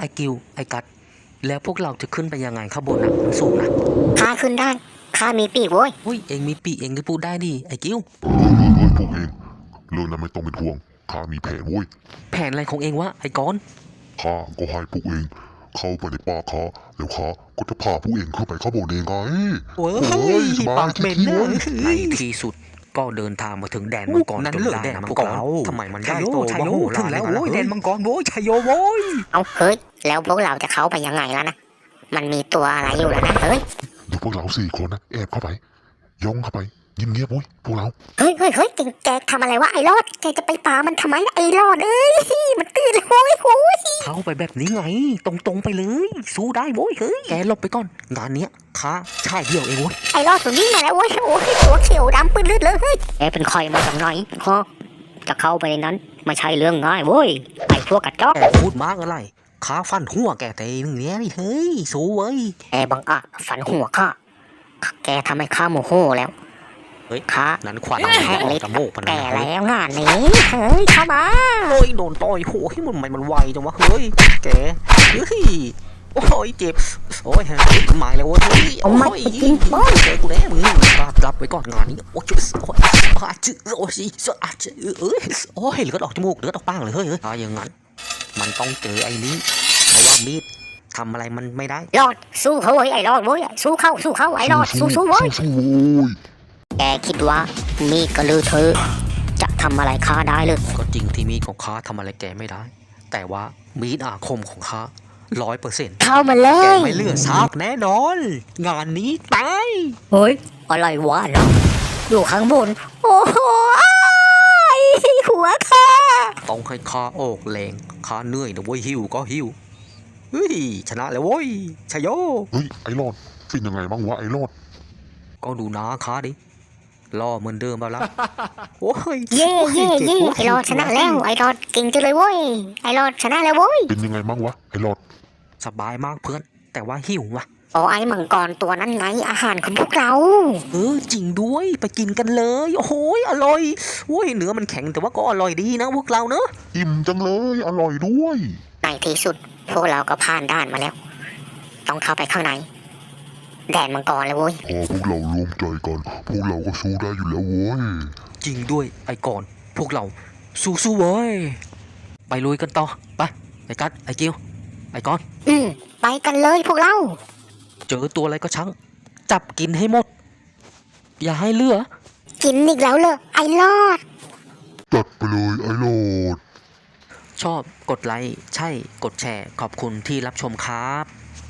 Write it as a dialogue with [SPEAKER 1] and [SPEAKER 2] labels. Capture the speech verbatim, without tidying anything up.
[SPEAKER 1] อ้กิวไอ้กัดแล้วพวกเราจะขึ้นไปยังไงข้างบนนะมันสูงนะ
[SPEAKER 2] ข้าขึ้นได้ข้ามีปีกโว้ย
[SPEAKER 1] เฮ้ยเองมีปีกเองก็พูดได้ดิไอ้กิว
[SPEAKER 3] เฮ้ยเฮ้ยเฮ้ยพวกเองเรื่องนั้นไม่ต้องเป็นห่วงข้ามีแผนเว้ย
[SPEAKER 1] แผนอะไรของเองวะไอ้กอน
[SPEAKER 3] ข้าก็ให้พวกเองเข้าไปในป่าข้าแล้วข้าก็จะพาพวกเองขึ้นไปข้างบนเองไง
[SPEAKER 1] โอ้ย
[SPEAKER 3] สบาย
[SPEAKER 1] ปากเหม็น
[SPEAKER 3] ที่
[SPEAKER 1] นะ
[SPEAKER 3] เว้ย
[SPEAKER 1] ในที่สุดก็เดินทางมาถึงแดนมังกรนั่นเลยแดนมังกรทำไมมันได้โตมาโหฬารถึงแล้วโว้ยแดนมังกรโว้ยชัยโยโว้ย
[SPEAKER 2] เอาเฮ้ยแล้วพวกเราจะเข้าไปยังไงแล้วนะมันมีตัวอะไรอยู่แล้วนะเฮ้ย
[SPEAKER 3] เดี๋ยวพวกเราสี่คนนะแอบเข้าไปย่องเข้าไปเงียบๆเว้ยพวกเรา
[SPEAKER 2] เฮ้ยเฮ้ยเฮ้ยแกทำอะไรวะไอ้รอดแกจะไปป่ามันทำไมไอ้รอดเอ้ยมันตื่นเลยโว้ยโว้ย
[SPEAKER 1] เข้าไปแบบนี้ไงตรงๆไปเลยสู้ได้โว้ยเฮ้ยแกหลบไปก่อนงานเนี้ยข้าใช่เดียวเองโว้ย
[SPEAKER 2] ไอ้รอดตัวนี้มาแล้วโว้ยโอ้ยตัวเขียวดำปื้นเลือดเลยเฮ้ยแกเป็นใครมาจากไหนฮะจะเข้าไปในนั้นไม่ใช่เรื่องง่ายโว้ยไอ้พวกกระจอก
[SPEAKER 1] แกพูดมากอะไรข้าฟันหัวแกแต่หนึ่งเนี้ยนี่เฮ้ยสู้เว้ย
[SPEAKER 2] แกบังอาจฝันหัวข้าแกทำให้ข้าโมโหแล้ว
[SPEAKER 1] เฮ้ย
[SPEAKER 2] ข้า
[SPEAKER 1] นั้นควัน
[SPEAKER 2] แห้ง
[SPEAKER 1] ออ
[SPEAKER 2] ลิ
[SPEAKER 1] กจมูกมัน
[SPEAKER 2] แก
[SPEAKER 1] นะ
[SPEAKER 2] แล้วงานนี้เฮ้ยเข้ามา
[SPEAKER 1] เฮ้ยโดนต่อยโหยมันมันไวจังวะเฮ้ยแกเฮ้ยโอ้ยเจ็บโอ้ยหมายแล้วเว้ยเฮ้ย
[SPEAKER 2] เอามาไปกินโอ้ย
[SPEAKER 1] เจอกูแน่มึงกลับกลับไปก่อนงานนี้โอ้ยโอ้ยอาจื้อโอ้ยอาจื้อเอ้ยโอ้ยเลือดออกจมูกเลือดออกปากเลยเฮ้ยถ้าอย่างนั้นมันต้องเจอไอ้นี้เพราะว่ามีดทำอะไรมันไม่ได้
[SPEAKER 2] รอดสู้เขาเว้ยไอ้รอดเว้ยสู้เข้าสู้เข้าไอ้รอดสู้สู้เว้ย
[SPEAKER 3] สู้ๆโว้ย
[SPEAKER 2] แกคิดว่ามีดกระลือเธอจะทำอะไรข้าได้เลย
[SPEAKER 1] ก็จริงที่มีดของข้าทำอะไรแกไม่ได้ แต่ว่ามีดอาคมของข้าร้อยเปอร์เซ็นต์
[SPEAKER 2] เข้ามาเล
[SPEAKER 1] แก
[SPEAKER 2] ย
[SPEAKER 1] ไม่เหลือซากแน่นอน งานนี้ตาย
[SPEAKER 2] เฮ้ยอะไรวะเนาะอยู่ข้างบนโอ้โหอ้ายหัวข้า
[SPEAKER 1] ต้องให้ข้าออกแรงข้าเหนื่อยนะเว้ยหิวก็หิวเฮ้ยชนะแล้วเว้ยชยโย
[SPEAKER 3] เฮ้ยไอ้รอดเป็นยังไงบ้างวะไอ้รอด
[SPEAKER 1] ก็ดูนะข้าดิล่อเหมือนเดิมเปล่าล่ะโอ้ย
[SPEAKER 2] เย่เย่เย่ไอ้รอดชนะแล้วไอ้รอดเก่งจังเลยเว้ยไอ้รอดชนะแล้วเว้ย
[SPEAKER 3] เป็นยังไงบ้างวะไอ้รอด
[SPEAKER 1] สบายมากเพื่อน แต่ว่าหิวว่ะ
[SPEAKER 2] โอ้ไอ้มังกรตัวนั้นไงอาหารของพวกเรา
[SPEAKER 1] เออจริงด้วยไปกินกันเลยโอ้โหอร่อยโอ้ยเนื้อมันแข็งแต่ว่าก็อร่อยดีนะพวกเราเนอะ
[SPEAKER 3] อิ่มจังเลยอร่อยด้วย
[SPEAKER 2] ในที่สุดพวกเราก็ผ่านด่านมาแล้ว ต้องเข้าไปข้างในแดนมังกรเลยเว้ย
[SPEAKER 3] พอพวกเรารวมใจกันพวกเราก็สู้ได้อยู่แล้วเว้ย
[SPEAKER 1] จริงด้วยไอ้ก่อน พวกเราสู้ๆเว้ยไปลุยกันต่อไปไอ้กัดไอ้กิ้วไอ้ก้อน
[SPEAKER 2] อืมไปกันเลยพวกเรา
[SPEAKER 1] เจอตัวอะไรก็ช่างจับกินให้หมด อย่าให้เหลือ
[SPEAKER 2] กินอีกแล้วเลยไอ้รอด
[SPEAKER 3] จัดไปเลยไอ้รอด
[SPEAKER 1] ชอบกดไลค์ใช่กดแชร์ขอบคุณที่รับชมครับ